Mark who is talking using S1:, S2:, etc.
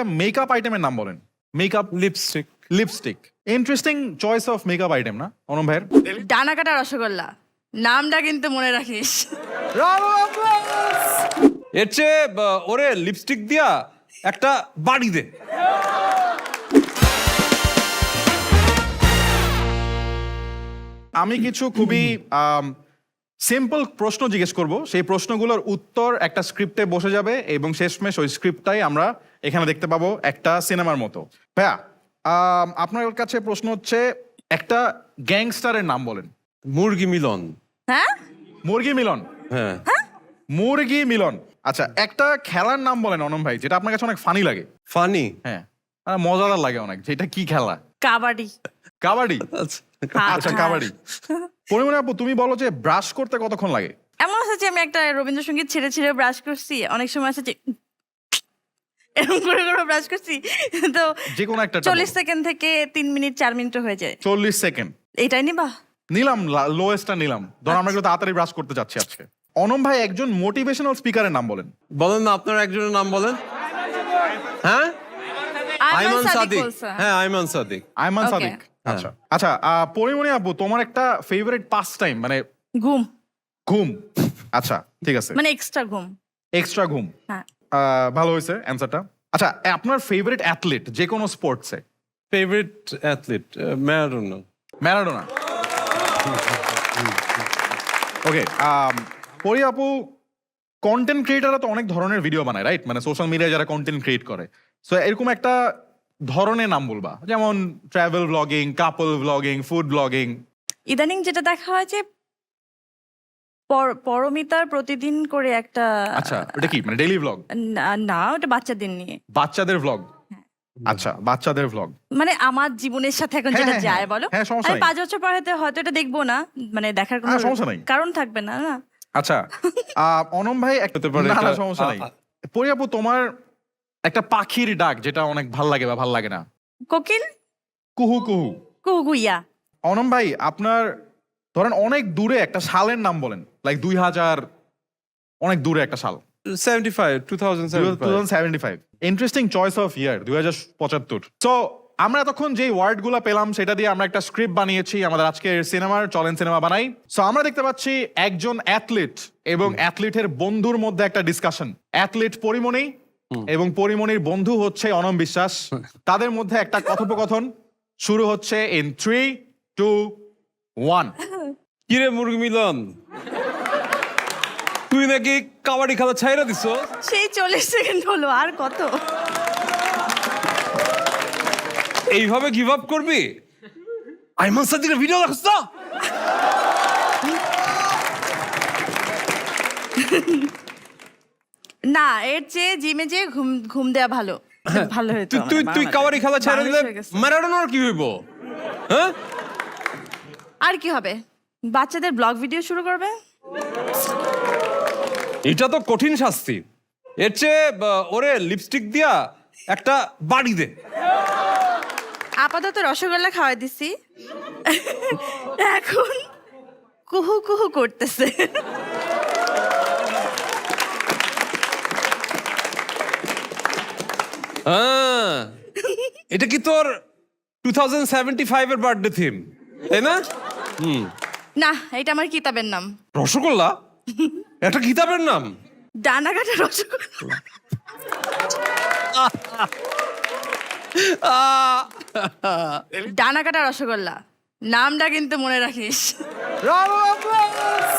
S1: Makeup আইটেমের নাম বলেন। Makeup
S2: lipstick.
S1: Lipstick. Interesting choice of makeup item না অনম ভাইয়ের?
S3: ডানা কাটা রসগোল্লা, নামটা কিন্তু মনে রাখিস।
S2: এর চেয়ে ওরে লিপস্টিক দিয়া একটা বাড়ি দে।
S1: আমি কিছু খুবই সিম্পল প্রশ্ন জিজ্ঞেস করব, সেই প্রশ্নগুলোর উত্তর একটা স্ক্রিপ্টে বসে যাবে এবং শেষমেশ ওই স্ক্রিপ্টটাই আমরা এখানে দেখতে পাবো একটা সিনেমার মতো। ভাইয়া আপনার কাছে প্রশ্ন হচ্ছে, একটা গ্যাংস্টারের নাম বলেন।
S2: মুরগি মিলন।
S3: হ্যাঁ,
S1: মুরগি মিলন।
S2: হ্যাঁ,
S1: মুরগি মিলন। আচ্ছা, একটা খেলার নাম বলেন অনম ভাই, যেটা আপনার কাছে অনেক ফানি লাগে।
S2: ফানি?
S1: হ্যাঁ, মজাদার লাগে অনেক। যেটা কি খেলা?
S3: কাবাডি।
S1: কাবাডি।
S2: আচ্ছা,
S1: আচ্ছা, কাবাডি। পরিমণি আপু, তুমি বলো যে ব্রাশ করতে কতক্ষণ লাগে?
S3: এমন আছে যে আমি একটা রবীন্দ্রসঙ্গীত ছেড়ে ছেড়ে ব্রাশ করছি, অনেক সময় আছে যে এরকম করে করে ব্রাশ করছি, তো
S1: যে কোনো একটা
S3: 40 সেকেন্ড থেকে 3 মিনিট 4 মিনিট হয়ে যায়।
S1: 40 সেকেন্ড
S3: এইটাই নিবা?
S1: নিলাম, লোয়েস্টটা নিলাম। ধর আমরা একটু তাড়াতাড়ি ব্রাশ করতে যাচ্ছি আজকে। অনম ভাই, একজন মোটিভেশনাল স্পিকারের নাম বলেন।
S2: বলেন না, আপনার একজনের নাম বলেন। হ্যাঁ, আইমান সাদিক।
S3: বলছে।
S2: হ্যাঁ, আইমান সাদিক।
S1: আইমান
S3: Okay.
S1: সাদিক। আচ্ছা আচ্ছা, পরিমণি আপু, তোমার একটা ফেভারিট পাস টাইম মানে
S3: ঘুম,
S1: ঘুম। আচ্ছা, ঠিক আছে,
S3: মানে এক্সট্রা ঘুম।
S1: এক্সট্রা ঘুম।
S3: হ্যাঁ।
S1: ভালো হয়েছে অ্যান্সারটা। আচ্ছা, আপনার ফেভারিট অ্যাথলিট যে কোনো স্পোর্টসে?
S2: Favourite athlete Maradona.
S1: Maradona. Okay, Pori আপু, কন্টেন্ট ক্রিয়েটাররা তো অনেক ধরনের ভিডিও বানায়, রাইট? মানে সোশ্যাল মিডিয়ায় যারা কন্টেন্ট ক্রিয়েট করে, সো এরকম একটা ধরনের নাম বলবা, যেমন travel blogging, couple blogging, food blogging.
S3: ইদানিং যেটা দেখা হয় যে পরমিতার প্রতিদিন করে একটা,
S1: আচ্ছা, ওটা কি মানে ডেইলি ব্লগ?
S3: না, ওটা বাচ্চাদের নিয়ে।
S1: বাচ্চাদের ব্লগ। আচ্ছা, বাচ্চাদের ব্লগ।
S3: মানে আমার জীবনের সাথে এখন
S1: হ্যাঁ,
S3: যেটা
S1: হ্যাঁ,
S3: যায়, বলো।
S1: হ্যাঁ, সমস্যা
S3: আমি
S1: নাই।
S3: 5 বছর পর হয়তো এটা দেখবো না, মানে দেখার কোনো
S1: সমস্যা নাই।
S3: কারণ থাকবে না, না।
S1: আচ্ছা, অনম ভাই,
S2: হতে পারে
S1: না, না,
S2: এটা-
S1: সমস্যা নাই। পরি আপু, তোমার একটা পাখির ডাক যেটা অনেক ভাল লাগে বা ভাল লাগে না?
S3: কোকিল,
S1: কুহু কুহু।
S3: কুহুইয়া।
S1: অনম ভাই, আপনার ধরেন অনেক দূরে একটা সালের নাম বলেন, লাইক 2000, অনেক দূরে একটা সাল।
S2: 2075।
S1: Interesting choice of year, 2075। So আমরা এতক্ষণ যে ওয়ার্ডগুলো পেলাম সেটা দিয়ে আমরা একটা স্ক্রিপ্ট বানিয়েছি আমাদের আজকের সিনেমার চলেন সিনেমা বানাই। সো আমরা দেখতে পাচ্ছি একজন অ্যাথলিট এবং অ্যাথলিটের বন্ধুর মধ্যে একটা ডিসকাশন। অ্যাথলিট পরিমণি এবং পরিমণির বন্ধু হচ্ছে অনম বিশ্বাস। তাদের মধ্যে একটা কথোপকথন শুরু হচ্ছে ইন 3, 2, 1।
S2: কিরে মুরগি মিলন, তুই নাকি কাবাডি খেলা ছাইরা দিছ?
S3: সেই 40 সেকেন্ড হলো, আর কত?
S2: এইভাবে গিভ আপ করবি? আইমান সাদিকের ভিডিও দেখছ তো?
S3: না, এর চেয়ে জিমে যেয়ে ঘুম দেওয়া ভালো। ভালো হতো।
S2: তুই কাবাডি খেলা ছাইরা দিলে ম্যারাডোনার কি হইব? হ্যাঁ,
S3: আর কি হবে? বাচ্চাদের ব্লগ ভিডিও শুরু করবে।
S2: এটা তো কঠিন শাস্তি। এর চেয়ে ওরে লিপস্টিক দিয়া একটা বাড়ি দে।
S3: আপাতত রসগোল্লা খাওয়াই দিছি, এখন কুহু কুহু করতেছে।
S2: হ্যাঁ, এটা কি তোর 2075 এর বার্থডে থিম, তাই না?
S3: না, এটা আমার কিতাবের নাম।
S2: রসগোল্লা একটা কিতাবের নাম?
S3: ডানা কাটা রসগোল্লা। ডানা কাটা রসগোল্লা, নামটা কিন্তু মনে রাখিস।